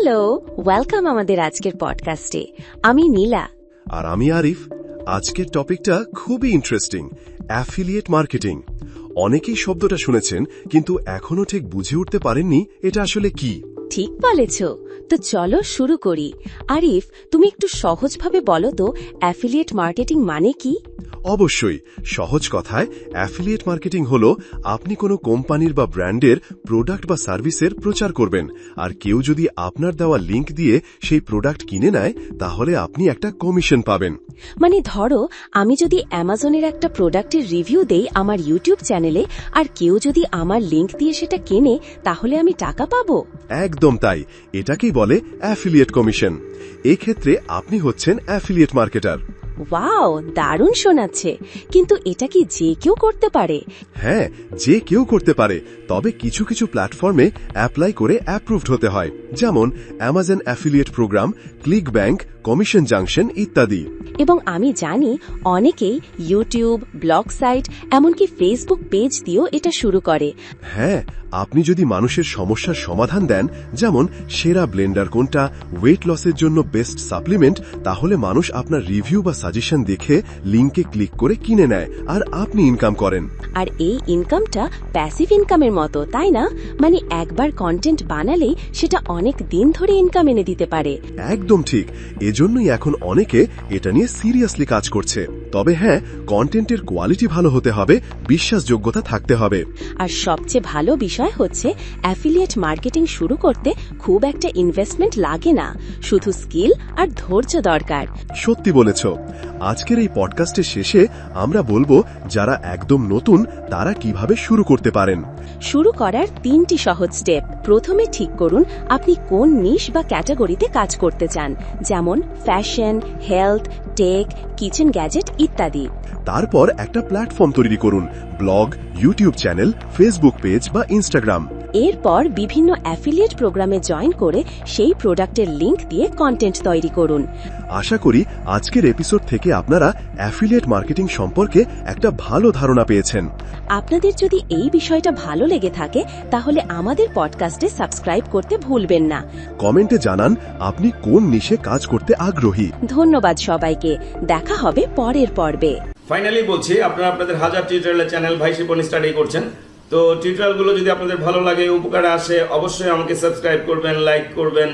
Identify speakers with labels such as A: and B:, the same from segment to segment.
A: Hello, welcome আমাদের আজকের পডকাস্টে। আমি নীলা
B: আর আমি আরিফ। আজকের টপিকটা খুবই ইন্টারেস্টিং, অ্যাফিলিয়েট মার্কেটিং। অনেকেই শব্দটা শুনেছেন, কিন্তু এখনো ঠিক বুঝে উঠতে পারেননি এটা আসলে কি।
A: ঠিক বলেছ। তো চলো শুরু করি। আরিফ, তুমি একটু সহজভাবে বলো তো অ্যাফিলিয়েট মার্কেটিং মানে কি?
B: অবশ্যই, সহজ কথায় অ্যাফিলিয়েট মার্কেটিং হলো আপনি কোনো কোম্পানির বা ব্র্যান্ডের প্রোডাক্ট বা সার্ভিসের প্রচার করবেন, আর কেউ যদি আপনার দেওয়া লিংক দিয়ে সেই প্রোডাক্ট কিনে নেয় তাহলে আপনি একটা কমিশন পাবেন।
A: মানে ধরো, আমি যদি অ্যামাজনের একটা প্রোডাক্টের রিভিউ দেই আমার ইউটিউব চ্যানেলে, আর কেউ যদি আমার লিংক দিয়ে সেটা কেনে, তাহলে আমি টাকা পাবো?
B: একদম তাই, এটাকেই বলে অ্যাফিলিয়েট কমিশন। এক্ষেত্রে আপনি হচ্ছেন অ্যাফিলিয়েট মার্কেটার।
A: ওয়াও, দারুণ শোনাচ্ছে। কিন্তু এটা কি যে কেউ করতে পারে?
B: হ্যাঁ, যে কেউ করতে পারে, তবে কিছু কিছু প্ল্যাটফর্মে অ্যাপ্লাই করে অ্যাপ্রুভড হতে হয়, যেমন Amazon affiliate program, click bank, commission junction ইত্যাদি।
A: এবং আমি জানি অনেকেই ইউটিউব, ব্লগ সাইট, এমনকি ফেসবুক পেজ দিয়েও এটা শুরু করে।
B: হ্যাঁ, আপনি যদি মানুষের সমস্যার সমাধান দেন, যেমন সেরা ব্লেন্ডার কোনটা, ওয়েট লসের জন্য বেস্ট সাপ্লিমেন্ট, তাহলে মানুষ আপনার রিভিউ বা সাজেশন দেখে লিংকে ক্লিক করে কিনে নেয়, আর আপনি ইনকাম করেন।
A: আর এই ইনকামটা প্যাসিভ ইনকামের মতো, তাই না? মানে একবার কন্টেন্ট বানালেই সেটা অনেক দিন ধরে ইনকাম এনে দিতে পারে।
B: একদম ঠিক, এজন্যই এখন অনেকে এটা নিয়ে সিরিয়াসলি কাজ করছে। তবে হ্যাঁ, কন্টেন্টের কোয়ালিটি ভালো হতে হবে, বিশ্বাসযোগ্যতা থাকতে হবে।
A: আর সবচেয়ে ভালো বিষয় হচ্ছে অ্যাফিলিয়েট মার্কেটিং শুরু করতে খুব একটা ইনভেস্টমেন্ট লাগে না, শুধু স্কিল আর ধৈর্য দরকার।
B: সত্যি বলেছ। আজকের এই পডকাস্টের শেষে আমরা বলবো যারা একদম নতুন তারা কিভাবে শুরু করতে পারেন।
A: শুরু করার 3টি সহজ স্টেপ। প্রথমে ঠিক করুন আপনি কোন নিশ বা ক্যাটাগরিতে কাজ করতে চান, যেমন fashion, health, tech, kitchen gadget ইত্যাদি।
B: তারপর একটা প্ল্যাটফর্ম তৈরি করুন, blog, YouTube channel, Facebook page বা ইনস্টাগ্রাম।
A: এরপর বিভিন্ন অ্যাফিলিয়েট প্রোগ্রামে জয়েন করে সেই প্রোডাক্টের লিংক দিয়ে কন্টেন্ট তৈরি করুন।
B: আশা করি আজকের এপিসোড থেকে আপনারা অ্যাফিলিয়েট মার্কেটিং সম্পর্কে একটা ভালো ধারণা পেয়েছেন।
A: আপনাদের যদি এই বিষয়টা ভালো লেগে থাকে তাহলে আমাদের পডকাস্টে সাবস্ক্রাইব করতে ভুলবেন না।
B: কমেন্টে জানান আপনি কোন নিশে কাজ করতে আগ্রহী।
A: ধন্যবাদ সবাইকে, দেখা হবে পরের পর্বে।
C: ফাইনালি বলছি, আপনারা আপনাদের হাজার টিউটোরিয়ালের চ্যানেল ভাই শিপন স্টাডি করছেন। তো টিউটোরিয়ালগুলো যদি আপনাদের ভালো লাগে, উপকারে আসে, অবশ্যই আমাকে সাবস্ক্রাইব করবেন, লাইক করবেন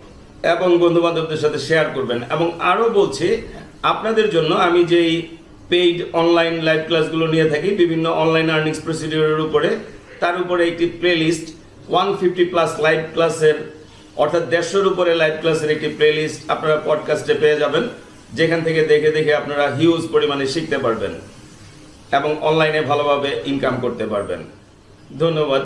C: এবং বন্ধুবান্ধবদের সাথে শেয়ার করবেন। এবং আরও বলছি, আপনাদের জন্য আমি যেই পেইড অনলাইন লাইভ ক্লাসগুলো নিয়ে থাকি বিভিন্ন অনলাইন আর্নিংস প্রসিডিওরের উপরে, তার উপরে একটি প্লেলিস্ট 150+ লাইভ ক্লাসের, অর্থাৎ 150-এর উপরে লাইভ ক্লাসের একটি প্লেলিস্ট আপনারা পডকাস্টে পেয়ে যাবেন, যেখান থেকে দেখে দেখে আপনারা হিউজ পরিমাণে শিখতে পারবেন এবং অনলাইনে ভালোভাবে ইনকাম করতে পারবেন। ধন্যবাদ।